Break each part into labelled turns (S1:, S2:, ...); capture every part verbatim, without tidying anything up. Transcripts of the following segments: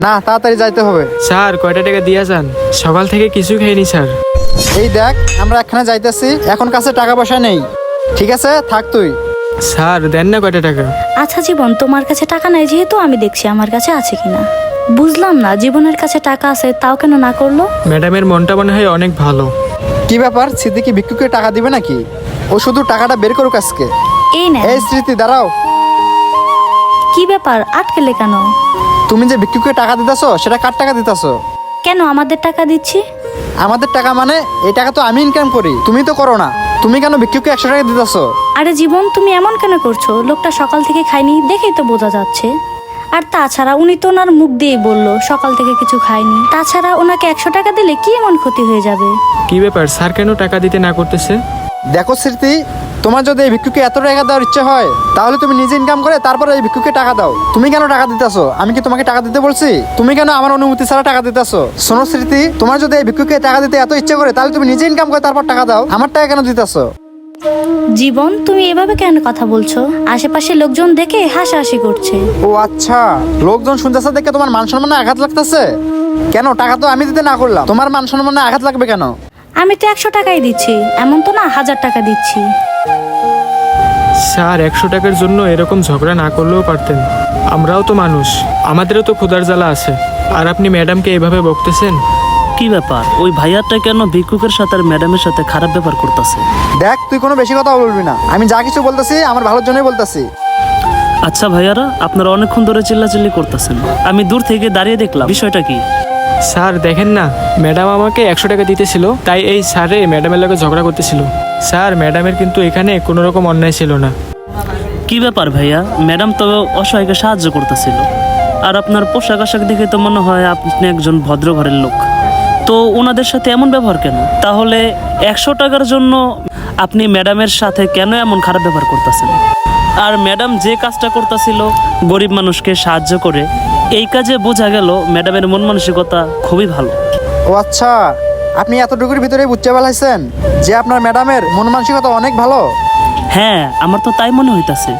S1: না, তাড়াতাড়ি যাইতে হবে।
S2: স্যার কয়টা টাকা দিয়ে যান? সকাল থেকে কিছু খাইনি স্যার।
S1: এই দেখ, আমরা এখানে যাইতেছি, এখন কাছে টাকা পয়সা নেই। ঠিক আছে, থাক তুই।
S2: স্যার দেন না কয়টা টাকা।
S3: আচ্ছা জীবন, তোমার কাছে টাকা নাই যেহেতু আমি দেখছি আমার কাছে আছে কিনা। বুঝলাম না, জীবনের কাছে টাকা আছে তাও কেন না করলো।
S2: ম্যাডামের মনটা মনে হয় অনেক ভালো।
S1: কি ব্যাপার, স্মৃতি কি ভিক্ষুকে টাকা দিবে নাকি? ও শুধু টাকাটা বের করুক আজকে।
S3: এই না,
S1: এই স্মৃতি, দাঁড়াও।
S3: কি ব্যাপার, আটকেলে কেন?
S1: তুমি যে ভিক্ষুকে টাকা দিতেছো, সেটা কার টাকা দিতেছো?
S3: কেন আমাদের টাকা দিচ্ছি?
S1: আমাদের টাকা মানে? এই টাকা তো আমি ইনকাম করি, তুমি তো করো না। তুমি কেন ভিক্ষুকে একশো টাকা দিতেছো?
S3: আরে জীবন, তুমি এমন কেন করছো? লোকটা সকাল থেকে খায়নি, দেখেই তো বোঝা যাচ্ছে। আর তাছাড়া উনি তো ওনার মুখ দিয়েই বললো সকাল থেকে কিছু খায়নি। তাছাড়া ওনাকে একশো টাকা দিলে কি এমন ক্ষতি হয়ে যাবে?
S2: কি ব্যাপার, স্যার কেন টাকা দিতে না করতেছে?
S1: দেখো স্মৃতি, তোমার যদি এই ভিক্ষুকে এত টাকা দেওয়ার ইচ্ছে হয়, তাহলে তুমি নিজে ইনকাম করে তারপরে এই ভিক্ষুকে টাকা দাও। তুমি কেন টাকা দিতেছো? আমি কি তোমাকে টাকা দিতে বলছি? তুমি কেন আমার অনুমতি ছাড়া টাকা দিতেছো? শোনো স্মৃতি, তোমার যদি এই ভিক্ষুকে টাকা দিতে এত ইচ্ছে করে, তাহলে তুমি নিজে ইনকাম করে তারপর টাকা দাও। আমার টাকা কেন দিতেছো?
S3: জীবন, তুমি এভাবে কেন কথা বলছো? আশেপাশে লোকজন দেখে হাসাহাসি করছে।
S1: ও আচ্ছা, লোকজন শুনতেছে দেখে তোমার মান সম্মানে আঘাত লাগতেছে? কেন, টাকা তো আমি দিতে না করলাম, তোমার মান সম্মানে আঘাত লাগবে কেন?
S3: আমি তো একশো টাকাই দিচ্ছি, এমন তো না হাজার টাকা দিচ্ছি।
S2: স্যার একশো টাকার জন্য এরকম ঝগড়া না করলেও পারতেন। আমরাও তো মানুষ, আমাদেরও তো ক্ষুধার জ্বালা আছে। আর আপনি ম্যাডামকে এভাবে বকতেছেন?
S4: কি ব্যাপার, ওই ভাইয়ারটা কেন ভিক্ষুকের সাথে আর ম্যাডামের সাথে খারাপ ব্যবহার করতেছে?
S1: দেখ, তুই কোনো বেশি কথা বলবি না। আমি যা কিছু বলতেছি আমার ভালোর জন্যই বলতেছি।
S4: আচ্ছা ভাইয়ারা, আপনারা অনেকক্ষণ ধরে চিল্লাচিল্লি করতেছেন, আমি দূর থেকে দাঁড়িয়ে দেখলাম, বিষয়টা কি?
S2: স্যার দেখেন না, ম্যাডাম আমাকে একশো টাকা দিতেছিল, তাই এই স্যারে ম্যাডামের লগে ঝগড়া করতেছিল। স্যার ম্যাডামের কিন্তু এখানে কোনো রকম অন্যায় ছিল না।
S4: কি ব্যাপার ভাইয়া, ম্যাডাম তো অসহায়কে সাহায্য করতেছিল, আর আপনার পোশাক আশাক দেখে তো মনে হয় আপনি একজন ভদ্র ঘরের লোক। তো ওনাদের সাথে এমন ব্যবহার কেন? তাহলে একশো টাকার জন্য আপনি ম্যাডামের সাথে কেন এমন খারাপ ব্যবহার করতেছেন? আর ম্যাডাম যে কাজটা করতেছিল গরিব মানুষকে সাহায্য করে, এই কাজে বোঝা গেল ম্যাডামের মন মানসিকতা খুবই ভালো।
S1: ও আচ্ছা, আপনি এতটুকুর ভিতরে বুঝতে পারছেন যে আপনার ম্যাডামের মন মানসিকতা অনেক ভালো?
S4: হ্যাঁ, আমার তো তাই মনে হইতাছে।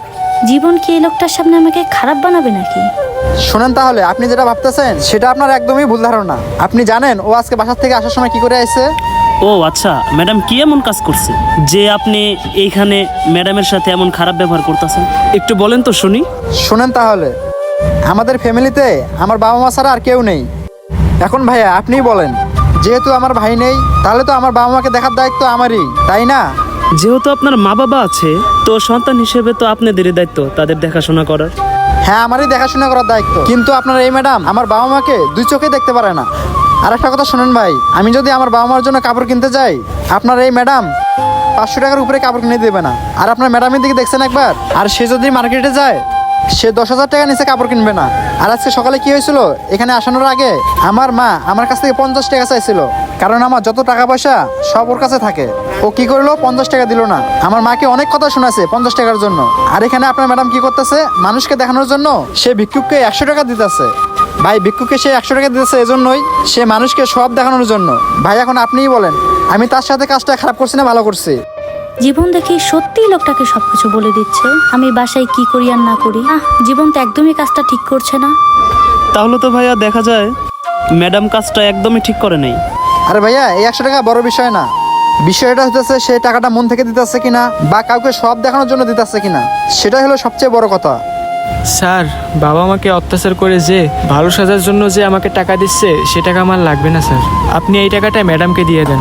S3: জীবন কি এই লোকটার সামনে আমাকে খারাপ বানাবে নাকি?
S1: শোনেন, তাহলে আপনি যেটা ভাবতেছেন সেটা আপনার একদমই ভুল ধারণা। আপনি জানেন ও আজকে বাসার থেকে আসার সময় কি করে আসছে?
S4: ও আচ্ছা, ম্যাডাম কি এমন কাজ করছে যে আপনি এইখানে ম্যাডামের সাথে এমন খারাপ ব্যবহার করতেছেন? একটু বলেন তো শুনি।
S1: শোনেন তাহলে, আমাদের ফ্যামিলিতে আমার বাবা মা ছাড়া আর কেউ নেই। এখন ভাইয়া আপনিই বলেন, যেহেতু আমার ভাই নেই, তাহলে তো আমার বাবা মাকে দেখার দায়িত্ব আমারই, তাই না?
S4: যেহেতু আপনার মা বাবা আছে, তো সন্তান হিসেবে তো আপনাদেরই দায়িত্ব তাদের দেখাশোনা করার।
S1: হ্যাঁ, আমারই দেখাশোনা করার দায়িত্ব, কিন্তু আপনার এই ম্যাডাম আমার বাবা মাকে দুই চোখে দেখতে পারে না। আর একটা কথা শোনেন ভাই, আমি যদি আমার বাবা মার জন্য কাপড় কিনতে যাই, আপনার এই ম্যাডাম পাঁচশো টাকার উপরে কাপড় কিনে দেবে না। আর আপনার ম্যাডামের দিকে দেখছেন একবার, আর সে যদি মার্কেটে যায়, সে দশ হাজার টাকা নিচে কাপড় কিনবে না। আর আজকে সকালে কি হয়েছিল, এখানে আসানোর আগে আমার মা আমার কাছ থেকে পঞ্চাশ টাকা চাইছিল, কারণ আমার যত টাকা পয়সা সব ওর কাছে থাকে। ও কি করলো, পঞ্চাশ টাকা দিল না। আমার মাকে অনেক কথা শোনাছে পঞ্চাশ টাকার জন্য। আর এখানে আপনার ম্যাডাম কি করতেছে, মানুষকে দেখানোর জন্য সে ভিক্ষুককে একশো টাকা দিতেছে। ভাই, ভিক্ষুককে সে একশো টাকা দিতেছে এজন্যই, সে মানুষকে সব দেখানোর জন্য। ভাই এখন আপনিই বলেন, আমি তার সাথে কাজটা খারাপ করছি না ভালো করছি?
S3: জীবন দেখি সত্যিই লোকটাকে সবকিছু বলে দিচ্ছে, আমি বাসায় কি করি আর না করি। আহ, জীবন তো একদমই কাজটা ঠিক করছে না।
S4: তাহলে তো ভাইয়া দেখা যায় ম্যাডাম কাজটা একদমই ঠিক করে নেই।
S1: আরে ভাইয়া, এই একশো টাকা বড় বিষয় না। বিষয়টা হতেছে সে টাকাটা মন থেকে দিতেছে কিনা, বা কাউকে সব দেখানোর জন্য দিতেছে কিনা, সেটাই হলো সবচেয়ে বড় কথা।
S2: স্যার বাবা আমাকে অত্যাচার করে যে ভালো সাজার জন্য যে আমাকে টাকা দিচ্ছে, সে টাকা আমার লাগবে না স্যার। আপনি এই টাকাটা ম্যাডামকে দিয়ে দেন।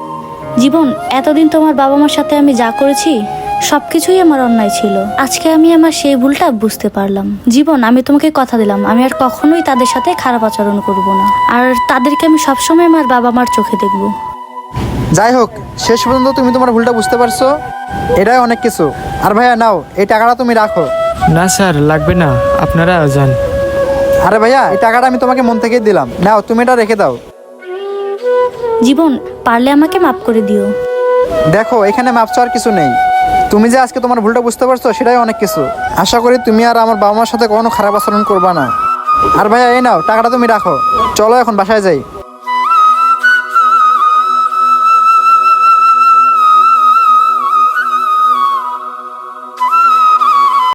S3: জীবন, এতদিন তোমার বাবা মার সাথে আমি যা করেছি সবকিছুই আমার অন্যায় ছিল। আজকে আমি আমার সেই ভুলটা বুঝতে পারলাম। জীবন, আমি তোমাকে কথা দিলাম আমি আর কখনোই তাদের সাথে খারাপ আচরণ করব না, আর তাদেরকে আমি সবসময় আমার বাবা মার চোখে দেখব।
S1: যাই হোক, শেষ পর্যন্ত তুমি তোমার ভুলটা বুঝতে পারছো, এটাই অনেক কিছু। আর ভাইয়া নাও, এই টাকাটা তুমি রাখো।
S2: না স্যার লাগবে না, আপনারা যান।
S1: আরে ভাইয়া, এই টাকাটা আমি তোমাকে মন থেকেই দিলাম, নাও তুমি এটা রেখে দাও।
S3: জীবন, পারলে আমাকে মাফ করে দিও।
S1: দেখো, এখানে মাপ চাওয়ার কিছু নেই। তুমি যে আজকে তোমার ভুলটা বুঝতে পারছো, সেটাই অনেক কিছু। আশা করি তুমি আর আমার বাবা মার সাথে কখনো খারাপ আচরণ করবা না। আর ভাইয়া এই নাও, টাকাটা তুমি রাখো। চলো এখন বাসায় যাই।